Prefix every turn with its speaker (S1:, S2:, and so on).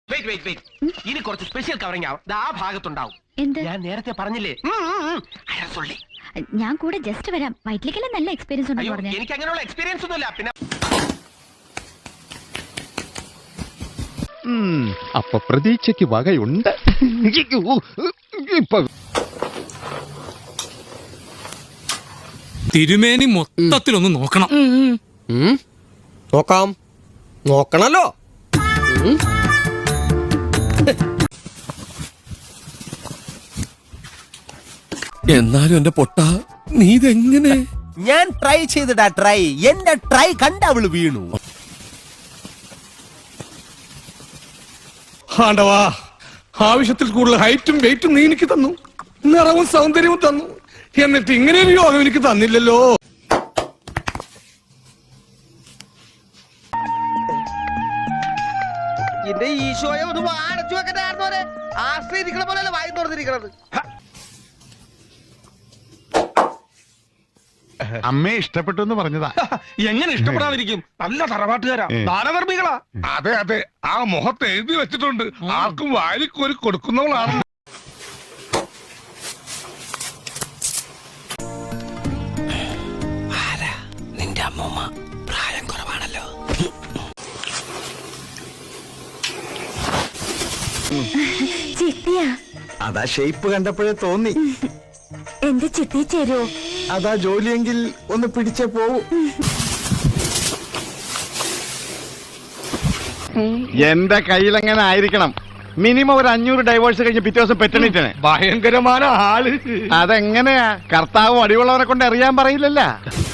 S1: ഇനി കുറച്ച് special covering ആവും. ആ ഭാഗത്തുണ്ടാവും. ഞാൻ നേരത്തെ പറഞ്ഞില്ലേ,
S2: ഞാൻ കൂടെ ജസ്റ്റ് വരാം. വയറ്റിലേക്കെല്ലാം നല്ല എക്സ്പീരിയൻസ് ഉണ്ടെന്ന് പറഞ്ഞു.
S1: എനിക്ക് അങ്ങനെയുള്ള എക്സ്പീരിയൻസ് ഒന്നുമില്ല. പിന്നെ
S3: അപ്പൊ പ്രതീക്ഷയ്ക്ക് വകയുണ്ട്.
S4: തിരുമേനി മൊത്തത്തിലൊന്ന് നോക്കണം.
S5: നോക്കാം, നോക്കണല്ലോ.
S6: എന്നാലും എന്റെ പൊട്ട, നീ ഇതെങ്ങനെ?
S5: ഞാൻ ട്രൈ ചെയ്തിടാ. എന്റെ ട്രൈ കണ്ട അവള് വീണു.
S6: ആണ്ടവാ, ആവശ്യത്തിൽ കൂടുതൽ ഹൈറ്റും വെയിറ്റും നീ എനിക്ക് തന്നു, നിറവും സൗന്ദര്യവും തന്നു. എന്നിട്ട് ഇങ്ങനെ ഒരു യോഗം എനിക്ക് തന്നില്ലല്ലോ.
S1: എന്റെ ഈശോയെ ഒന്ന് അടച്ചു വെക്കണ്ടായിരുന്നോരെ. ആശ്രയിരിക്കണ പോലെയല്ല വായി തുറന്നിരിക്കണത്.
S3: അമ്മയെ ഇഷ്ടപ്പെട്ടു എന്ന് പറഞ്ഞതാ.
S1: എങ്ങനെ ഇഷ്ടപ്പെടാതിരിക്കും? നല്ല തറവാട്ടുകാരാ, ദാനധർമ്മികളാ.
S6: അതെ അതെ, ആ മുഖത്ത് എഴുതി വെച്ചിട്ടുണ്ട്, ആർക്കും വാരിക്കോരി കൊടുക്കുന്നവളാണ്.
S5: നിന്റെ അമ്മൂമ്മ പ്രായം കുറവാണല്ലോ.
S2: ചിത്തിയാ?
S3: അതാ ഷേപ്പ് കണ്ടപ്പോഴേ തോന്നി.
S2: എന്റെ ചിത്തി ചേരുവോ?
S3: അതാ ജോലിയെങ്കിൽ ഒന്ന് പിടിച്ചേ പോവൂ. എന്റെ കയ്യിലെങ്ങനെ ആയിരിക്കണം? മിനിമം ഒരു 500 ഡൈവേഴ്സ് കഴിഞ്ഞ് പിറ്റേ ദിവസം പെറ്റണിട്ടാണ്.
S6: ഭയങ്കരമായ ആള്.
S3: അതെങ്ങനെയാ? കർത്താവ് അടിയുള്ളവരെ കൊണ്ട് അറിയാൻ പറയില്ലല്ലോ.